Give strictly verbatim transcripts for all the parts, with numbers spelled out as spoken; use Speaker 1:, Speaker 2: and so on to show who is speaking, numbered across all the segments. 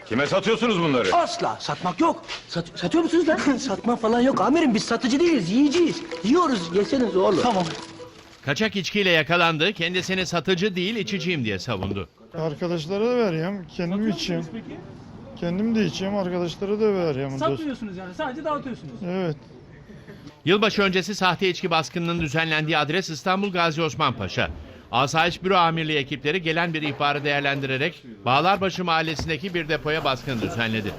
Speaker 1: Kime satıyorsunuz bunları?
Speaker 2: Asla satmak yok. Sat, satıyor musunuz lan? Satma falan yok amirim, biz satıcı değiliz, yiyeceğiz. Yiyoruz, yeseniz oğlum. Tamam.
Speaker 3: Kaçak içkiyle yakalandı, kendisini satıcı değil içiciyim diye savundu.
Speaker 4: Arkadaşlara da veriyorum, kendim içeyim.
Speaker 5: Peki?
Speaker 4: Kendim de içeyim, arkadaşlara da veriyorum.
Speaker 5: Satmıyorsunuz yani, sadece dağıtıyorsunuz.
Speaker 4: Evet.
Speaker 3: Yılbaşı öncesi sahte içki baskınının düzenlendiği adres İstanbul Gazi Osman Paşa. Asayiş Büro Amirliği ekipleri gelen bir ihbarı değerlendirerek Bağlarbaşı mahallesindeki bir depoya baskın düzenledi.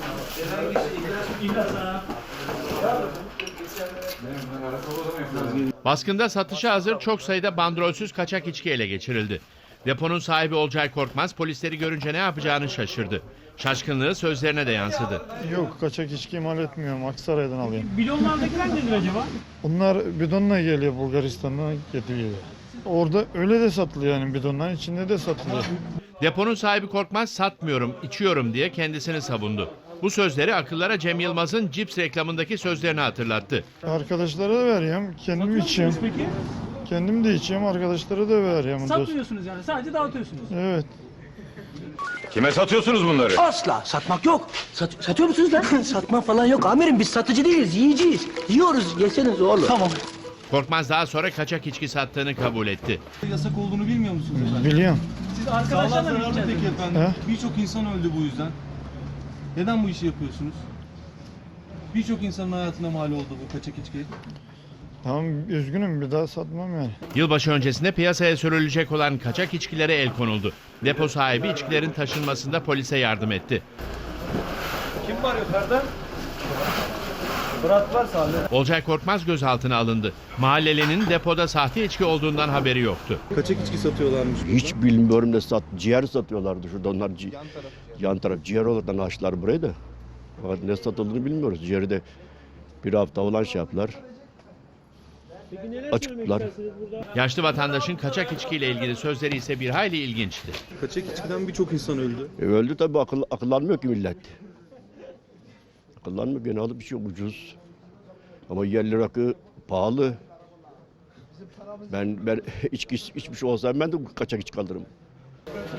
Speaker 3: Baskında satışa hazır çok sayıda bandrolsüz kaçak içki ele geçirildi. Deponun sahibi Olcay Korkmaz polisleri görünce ne yapacağını şaşırdı. Şaşkınlığı sözlerine de yansıdı.
Speaker 4: Yok, kaçak içki imal etmiyorum, Aksaray'dan alıyorum.
Speaker 5: Bidonlardakiler nedir acaba?
Speaker 4: Bunlar bidonla geliyor, Bulgaristan'dan getiriyor. Orada öyle de satılıyor, yani bidonların içinde de satılıyor.
Speaker 3: Deponun sahibi Korkmaz satmıyorum, içiyorum diye kendisini savundu. Bu sözleri akıllara Cem Yılmaz'ın cips reklamındaki sözlerini hatırlattı.
Speaker 4: Arkadaşlara da veriyorum, kendim içeyim.
Speaker 5: Peki?
Speaker 4: Kendim de içeyim, arkadaşlara da veriyorum.
Speaker 5: Satmıyorsunuz yani, sadece dağıtıyorsunuz.
Speaker 4: Evet.
Speaker 1: Kime satıyorsunuz bunları?
Speaker 2: Asla satmak yok. Sat, satıyor musunuz lan? Satma falan yok amirim, biz satıcı değiliz, yiyeceğiz. Yiyoruz, yeseniz oğlum. Tamam.
Speaker 3: Korkmaz daha sonra kaçak içki sattığını kabul etti.
Speaker 6: Yasak olduğunu bilmiyor musunuz efendim?
Speaker 4: Biliyorum.
Speaker 6: Siz arkadaşlarla mı
Speaker 5: zararlı
Speaker 6: peki efendim?
Speaker 4: He?
Speaker 6: Birçok insan öldü bu yüzden. Neden bu işi yapıyorsunuz? Birçok insanın hayatına mal oldu bu kaçak içki.
Speaker 4: Tamam, üzgünüm, bir daha satmam yani.
Speaker 3: Yılbaşı öncesinde piyasaya sürülecek olan kaçak içkilere el konuldu. Depo sahibi içkilerin taşınmasında polise yardım etti.
Speaker 6: Kim var yukarıda? Fırat var sahne.
Speaker 3: Olcay Korkmaz gözaltına alındı. Mahallelinin depoda sahte içki olduğundan haberi yoktu.
Speaker 6: Kaçak içki satıyorlarmış.
Speaker 7: Hiç bilmiyorum ne sat, ciğer satıyorlardı şurada onlar ci, yan taraf. Yan taraf ciğer olarak açtılar burayı da. Fakat ne satıldığını bilmiyoruz. Ciğeri de bir hafta olan şey yaptılar. Açıktılar.
Speaker 3: Yaşlı vatandaşın kaçak içkiyle ilgili sözleri ise bir hayli ilginçti.
Speaker 6: Kaçak içkiden birçok insan öldü.
Speaker 7: E öldü tabii, akıl, akıllanmıyor ki millet. Akıllanmıyor, gene alıp bir şey ucuz. Ama yerli rakı pahalı. Ben ben içki içmiş olsam ben de kaçak içki alırım.